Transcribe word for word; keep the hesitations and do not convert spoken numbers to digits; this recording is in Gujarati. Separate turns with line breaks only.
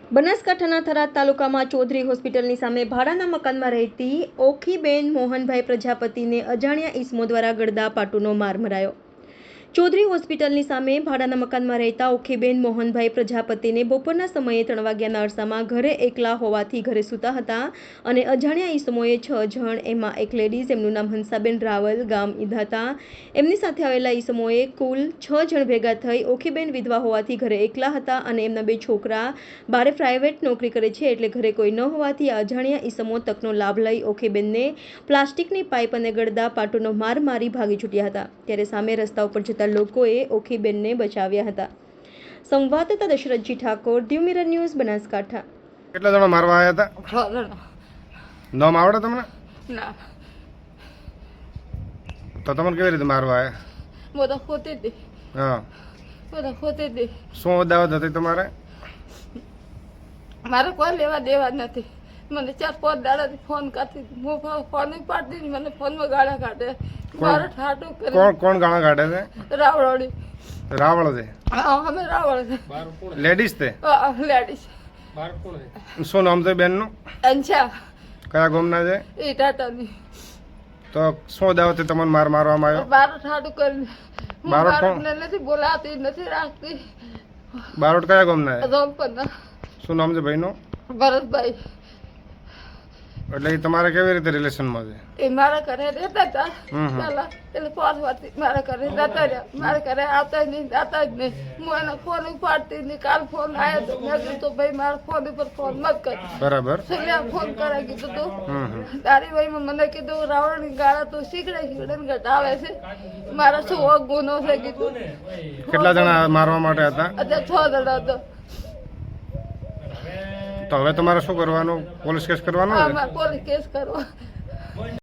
બનાસકાંઠાના થરાદ તાલુકામાં ચૌધરી હોસ્પિટલની સામે ભાડાના મકાનમાં રહેતી ઓખીબેન મોહનભાઈ પ્રજાપતિને અજાણ્યા ઈસમો દ્વારા ગળદાપાટુનો માર મરાયો। ચૌધરી હોસ્પિટલની સામે ભાડાના મકાનમાં રહેતા ઓખીબેન મોહનભાઈ પ્રજાપતિને બપોરના સમયે ત્રણ વાગ્યાના અરસામાં ઘરે એકલા હોવાથી ઘરે સૂતા હતા અને અજાણ્યા ઈસમોએ છ જણ, એમાં એક લેડીઝ, એમનું નામ હંસાબેન રાવલ, ગામ ઈધાતા, એમની સાથે આવેલા ઈસમોએ કુલ છ જણ ભેગા થઈ ઓખીબેન વિધવા હોવાથી ઘરે એકલા હતા અને એમના બે છોકરા બારે પ્રાઇવેટ નોકરી કરે છે એટલે ઘરે કોઈ ન હોવાથી આ અજાણ્યા ઈસમો તકનો લાભ લઈ ઓખીબેનને પ્લાસ્ટિકની પાઇપ અને ગળદા પાટુનો માર મારી ભાગી છૂટ્યા હતા। ત્યારે સામે રસ્તા ઉપર જતા લોકોએ ઓખીબેનને બચાવ્યા હતા। સંવાદદાતા દશરથજી ઠાકોર, દીવ મિરર ન્યૂઝ, બનાસકાંઠા।
કેટલા જણા મારવા આવ્યા હતા?
છ જણા।
નામ આવડે તમને?
ના,
તો તમને કેવી રીતે મારવા આવ્યા?
બધા ખોતી હતી।
હા,
બધા ખોતી હતી।
શું અદાવત હતી તમારે?
મારે કોઈ લેવા દેવા જ નથી। મને ચાર પાંચ દાડાથી ફોન કરતી હતી, હું ફોન પાડતી હતી, મને ફોનમાં ગાળા કાઢે, મારે ઠાટું કરી।
કોણ કોણ ગાળા કાઢે છે?
રાવળોડી।
રાવળ છે?
હા, અમે રાવળ છે।
લેડીઝ તે?
હા, લેડીઝ।
શું નામ છે બેનનું?
અંશા।
કયા ગામના છે?
એ ટાટાની।
તો શું અદાવત તમને માર મારવામાં આવ્યો?
મારે ઠાટું કરી, હું
બારોટ કોણ?
બાળકને નથી બોલાવતી, નથી રાખતી।
બારોટ કયા ગામના છે?
રોમપરના।
શું નામ છે ભાઈનું?
ભરતભાઈ।
એટલે એ તમારે કેવી રીતે રિલેશનમાં છે?
એ મારા ઘરે રહેતા હતા
હમ હમ.
પહેલા, એટલે પાંચ વર્ષથી મારા ઘરે રહેતા રહ્યા। મારા ઘરે આવતા જ નહીં, જાતા જ નહીં। હું એનો ફોન ઉપાડતી નહીં। કાલ ફોન આવ્યો તો મેં કીધું તો ભાઈ મારા ફોન ઉપર ફોન મત કર।
બરાબર।
છેલ્લે ફોન કરાવી કીધું તું
હમ હમ.
તારી ભાઈમાં મને કીધું રાવણની ગાળા તું શીખડે શીખડે ને ઘટાવે છે, મારા શું વગ ગુનો છે કીધું।
કેટલા જણા મારવા માટે હતા?
અત્યારે છ જણા હતો।
તો હવે તમારે શું કરવાનું? પોલીસ કેસ કરવાનો
હા,
છે?
મારે પોલીસ કેસ કરવો।